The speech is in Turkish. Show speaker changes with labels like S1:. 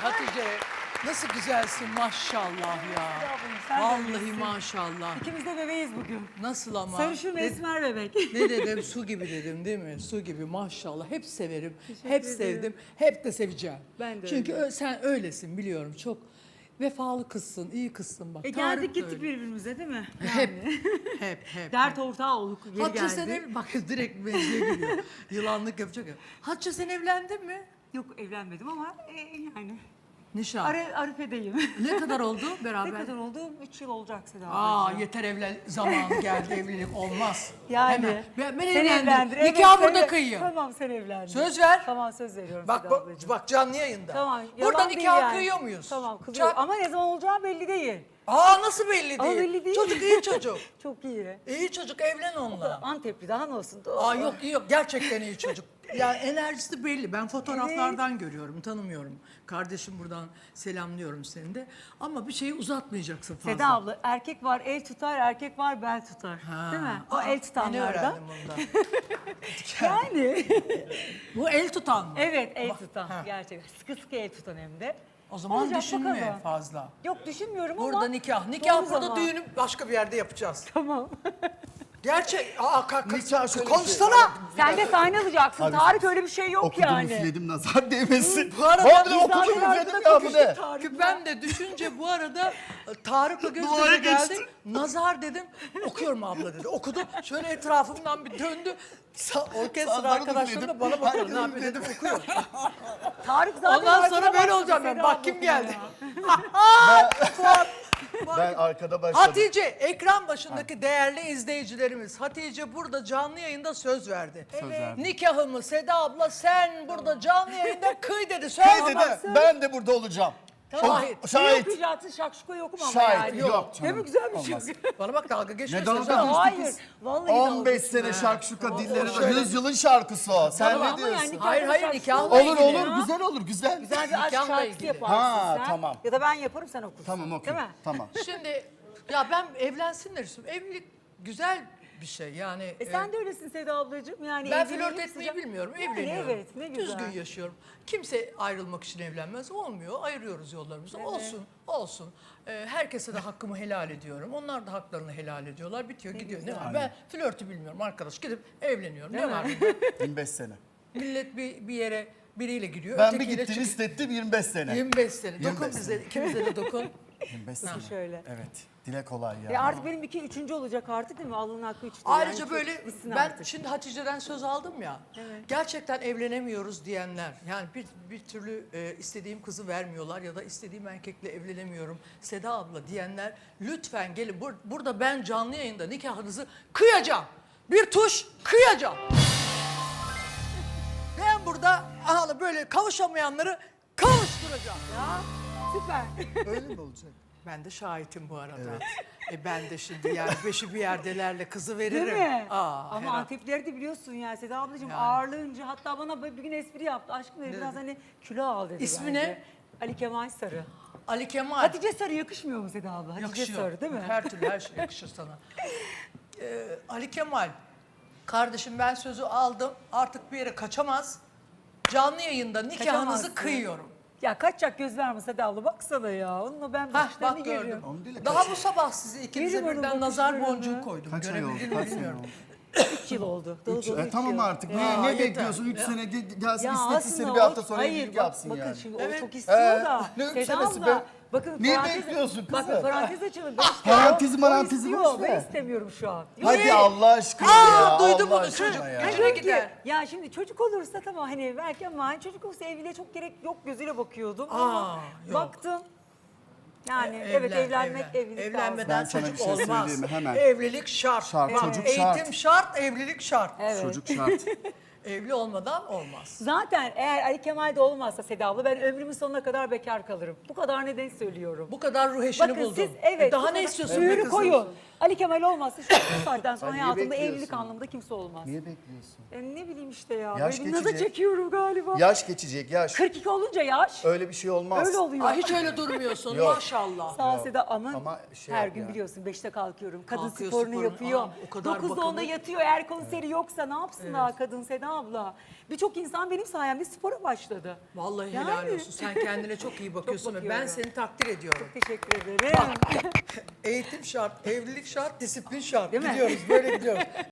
S1: Hatice. Nasıl güzelsin maşallah ya. Vallahi maşallah.
S2: İkimiz de bebeğiz bugün.
S1: Nasıl ama?
S2: Sarışın esmer bebek.
S1: Ne dedim? Su gibi dedim değil mi? Su gibi maşallah. Hep severim. Hep
S2: ederim.
S1: sevdim. Hep de seveceğim.
S2: Ben de
S1: Çünkü
S2: öyle.
S1: sen öylesin biliyorum. Çok vefalı kızsın, iyi kızsın bak.
S2: Geldik
S1: Tarık da
S2: gittik
S1: öyle.
S2: birbirimize değil mi?
S1: Hep, hep.
S2: Dert ortağı olduk. Yeri
S1: Hatice
S2: geldi.
S1: sen bak direkt mevzuya giriyor. Yılanlık yapacak ya. Hatice sen evlendin mi?
S2: Yok evlenmedim ama yani.
S1: Nişan.
S2: Arife'deyim.
S1: Ne kadar oldu beraber?
S2: Ne kadar oldu? 3 yıl olacak Seda
S1: Aa
S2: ablacığım.
S1: yeter evlen zamanı geldi evlilik olmaz.
S2: Yani.
S1: Hemen. Ben
S2: Sen
S1: evlendim.
S2: evlendir. Evet,
S1: Nikah
S2: sen
S1: burada
S2: de-
S1: kıyıyor.
S2: Tamam sen evlendin.
S1: Söz ver.
S2: Tamam söz veriyorum
S1: Bak
S2: Seda
S1: bak,
S2: ablacığım.
S1: bak canlı yayında.
S2: Tamam.
S1: Burada
S2: yalan değil
S1: nikah
S2: yani.
S1: kıyıyor muyuz?
S2: Tamam kılıyor.
S1: Çak.
S2: Ama ne zaman olacağı belli değil.
S1: Aa nasıl belli değil?
S2: Ama belli değil.
S1: Çocuk iyi çocuk.
S2: Çok iyi.
S1: İyi çocuk evlen onunla.
S2: Antepli daha ne olsun?
S1: Aa yok iyi yok gerçekten iyi çocuk. Yani enerjisi belli. Ben fotoğraflardan görüyorum, tanımıyorum. Kardeşim buradan selamlıyorum seni de. Ama bir şeyi uzatmayacaksın fazla.
S2: Seda abla erkek var el tutar, erkek var bel tutar.
S1: Ha.
S2: Değil mi? O
S1: Aa,
S2: el
S1: yeni
S2: tutanlardan.
S1: öğrendim bundan.
S2: Yani.
S1: Bu el tutan mı?
S2: Evet el
S1: Bak,
S2: tutan
S1: ha.
S2: gerçekten. Sıkı sıkı el tutan hem de.
S1: O zaman
S2: Olacak
S1: düşünme
S2: bakalım.
S1: fazla.
S2: Yok düşünmüyorum
S1: Burada
S2: ama.
S1: nikah. Nikah
S2: doğru
S1: burada,
S2: zaman.
S1: düğünü başka bir yerde yapacağız.
S2: Tamam.
S1: Gerçek.
S3: Nikah şöyle bir
S1: konuşsana.
S3: şey.
S2: Sen de sahne alacaksın.
S3: Abi,
S2: Tarık öyle bir şey yok
S3: Okudum
S2: yani.
S3: üfledim nazar değmesin.
S1: Bu arada
S3: Vallahi
S1: biz
S3: okudum
S2: zaten
S3: üfledim
S2: arkada
S3: ya bu
S2: konuştuk
S3: ne?
S2: Tarık'la.
S1: Ben de düşünce bu arada Tarık'la göz
S3: Duvara
S1: göze geldik.
S3: geçti.
S1: Nazar dedim. Okuyorum abla dedi. Okudu. Şöyle etrafımdan bir döndü. Orkestra
S3: Sazları
S1: arkadaşlarım da bana bakıyor. Ne
S3: Herkes
S1: yapıyor dedim. Okuyor.
S2: Tarık zaten
S1: Ondan
S2: arkada
S1: sonra böyle
S2: başladı
S1: olacağım ben.
S2: Seda
S1: Bak kim
S2: ablasına
S1: geldi.
S2: ya.
S3: Ben arkada başladım.
S1: Hatice, ekran başındaki değerli izleyicilerimiz. Hatice burada canlı yayında söz verdi.
S3: Söz verdim.
S1: Nikahımı Seda abla sen burada canlı yayında kıy dedi. Söz
S3: Hey
S1: ama
S3: dedi,
S1: söz-
S3: ben de burada olacağım.
S1: Şahit.
S2: Ne
S3: Şahit.
S2: okuyacaksın? Şakşuka okum ama
S3: Şahit.
S2: yani.
S3: Yok
S2: Değil mi?
S3: canım.
S2: Güzel bir
S3: Olmaz.
S2: şey.
S1: Bana bak dalga geçme.
S3: Ne dalga
S1: Seda.
S3: geçti
S2: Hayır.
S3: kız?
S2: Vallahi
S3: 15
S2: dalga
S3: sene şakşuka dilleri var.
S1: şöyle-
S3: 100 yılın şarkısı o. Sen
S2: Ama
S3: ne
S2: yani
S3: diyorsun?
S2: nikahda
S1: Hayır, hayır,
S2: şarkı
S1: nikahla
S2: olur.
S3: Olur
S1: ilgili.
S3: olur, güzel olur, güzel.
S2: Güzel bir aşk
S1: Nikahla
S2: şarkısı
S1: ilgili.
S2: yaparsın
S3: Ha,
S2: sen.
S3: tamam.
S2: Ya da ben yaparım sen okursun.
S3: Tamam okey.
S2: Değil mi?
S3: Tamam.
S1: Şimdi ya ben evlensinler istiyorum. Evlilik güzel bir şey yani.
S2: Sen de öylesin Seda ablacığım. Yani
S1: Ben
S2: evliliğin
S1: flört etmeyi
S2: sıcak-
S1: bilmiyorum,
S2: Yani
S1: evleniyorum.
S2: evet ne güzel.
S1: Düzgün yaşıyorum. Kimse ayrılmak için evlenmez. Olmuyor, ayırıyoruz yollarımızı. Olsun, olsun. Herkese de hakkımı helal ediyorum. Onlar da haklarını helal ediyorlar. Bitiyor, gidiyor. Ne var? Ben flörtü bilmiyorum arkadaş. Gidip evleniyorum. Ne var?
S3: 25 sene.
S1: Millet bir yere biriyle giriyor.
S3: Ben bir
S1: ötekiyle
S3: gittim
S1: çıkıyor.
S3: istettim 25 sene.
S1: 25 sene.
S3: 25
S1: Dokun bize, ikimize de dokun.
S3: 25 sene.
S2: Şöyle.
S3: Evet. Dile kolay ya.
S2: Artık benim 2-3. olacak artık değil mi? Alın hakkı 3'tü.
S1: Ayrıca böyle
S2: bitsin
S1: ben
S2: artık.
S1: şimdi Hatice'den söz aldım ya. Gerçekten evlenemiyoruz diyenler. Yani bir türlü istediğim kızı vermiyorlar ya da istediğim erkekle evlenemiyorum. Seda abla diyenler lütfen gelin. Burada ben canlı yayında nikahınızı kıyacağım. Bir tuş kıyacağım. Ben burada böyle kavuşamayanları kavuşturacağım.
S2: Ya süper.
S3: Öyle mi olacak?
S1: Ben de şahitim bu arada. Ben de şimdi yani beşi bir yerdelerle kızı veririm.
S2: Değil mi?
S1: Aa,
S2: Ama
S1: herhalde.
S2: Antepleri de biliyorsun ya Seda ablacığım
S1: Yani.
S2: ağırlığınca hatta bana bir gün espri yaptı. Aşkım dedi biraz hani kilo al dedi.
S1: İsmi
S2: bence.
S1: ne?
S2: Ali Kemal Sarı.
S1: Ali Kemal.
S2: Hatice Sarı yakışmıyor mu Seda abla? Hatice
S1: Yakışıyor.
S2: Sarı değil mi?
S1: Her türlü her şey yakışır sana. Ali Kemal, kardeşim ben sözü aldım. Artık bir yere kaçamaz. Canlı yayında nikahınızı
S2: Kaçamazsın.
S1: kıyıyorum.
S2: Ya kaçacak göz verme Seda abla baksana ya. Onunla ben
S1: Hah
S2: başlarını
S1: bak gördüm.
S2: görüyorum.
S3: Onu dile
S1: Daha bu sabah sizi ikinize
S2: Verim onun
S1: birden nazar
S2: bakışlarını.
S1: boncuğu koydum.
S3: Kaç ay oldu?
S1: Görebildin mi
S3: Kaç sene
S1: bilmiyorum.
S3: oldu?
S2: 3 yıl oldu. Dolu dolu üç
S3: Tamam
S2: yıl.
S3: artık.
S2: Ya.
S3: Ne
S1: yeter.
S3: bekliyorsun? 3 sene gelsin
S2: Ya
S3: istetsin seni
S2: aslında
S3: bir hafta
S2: o-
S3: sonra
S2: hayır,
S3: evlilik
S2: bak-
S3: yapsın
S2: bakın
S3: yani.
S2: şimdi
S1: Evet.
S2: o çok istiyor da.
S3: Ne üç
S2: Seda
S3: senesi
S2: abla,
S3: be?
S2: bakın
S3: Niye
S2: parantez-
S3: bekliyorsun kızım?
S2: Bakın parantez açalım. Ben
S3: Parantezi
S2: o
S3: marantezi
S2: istiyor,
S3: boş ver.
S2: Ben istemiyorum şu an.
S3: Hadi Allah aşkına ya.
S1: duydum
S3: Allah
S1: bunu
S3: aşkına
S1: çocuk.
S3: ya.
S1: Gücüne
S2: Diyorum ki,
S1: gider.
S2: ya şimdi çocuk olursa tamam hani belki ama hani çocuk olursa evliliğe çok gerek yok gözüyle bakıyordum. Ama
S1: yok.
S2: baktım. Yani
S1: Evlen,
S2: evet evlenmek
S1: evlen.
S2: evlilik
S1: Evlenmeden
S3: Ben sana
S1: çocuk
S3: bir şey
S1: olmaz.
S3: söyleyeyim mi? Hemen.
S1: Evlilik şart.
S3: Şart,
S1: Bak,
S3: çocuk
S1: eğitim şart, evlilik şart.
S2: Evet.
S3: Çocuk şart.
S1: Evli olmadan olmaz.
S2: Zaten eğer Ali Kemal'de olmazsa Seda abla ben ömrümün sonuna kadar bekar kalırım. Bu kadar neden söylüyorum.
S1: Bu kadar ruh eşini
S2: Bakın
S1: buldun.
S2: siz evet.
S1: Daha
S2: bu
S1: ne
S2: kadar
S1: istiyorsun be
S2: mühürü
S1: kızım?
S2: koyun. Ali Kemal olmazsa şu saatten sonra
S3: Sen niye
S2: hayatımda
S3: bekliyorsun?
S2: evlilik anlamında kimse olmaz.
S3: Niye bekliyorsun?
S2: Ne bileyim işte ya.
S3: Yaş
S2: Böyle naza
S3: geçecek.
S2: çekiyorum galiba.
S3: Yaş geçecek yaş.
S2: 42 olunca yaş.
S3: Öyle bir şey olmaz.
S2: Öyle oluyor.
S1: Ay hiç öyle durmuyorsun
S3: Yok.
S1: maşallah.
S2: Sağ ol Seda ama,
S3: Ama şey
S2: her
S3: yap
S2: gün
S3: ya.
S2: biliyorsun 5'te kalkıyorum. Kadın
S1: Kalkıyor,
S2: sporunu
S1: sporunu.
S2: yapıyor.
S1: Aa, o kadar
S2: 9'da onda
S1: bakımlı.
S2: yatıyor. Eğer konseri yoksa ne yapsın daha kadın Seda Seda abla. Birçok insan benim sayemde spora başladı.
S1: Vallahi
S2: Yani.
S1: helal olsun. Sen kendine çok iyi bakıyorsun ve ben
S2: bakıyorum.
S1: seni takdir ediyorum.
S2: Teşekkür ederim.
S1: Eğitim şart, evlilik şart, disiplin şart.
S2: Değil mi?
S1: Gidiyoruz, böyle gidiyoruz.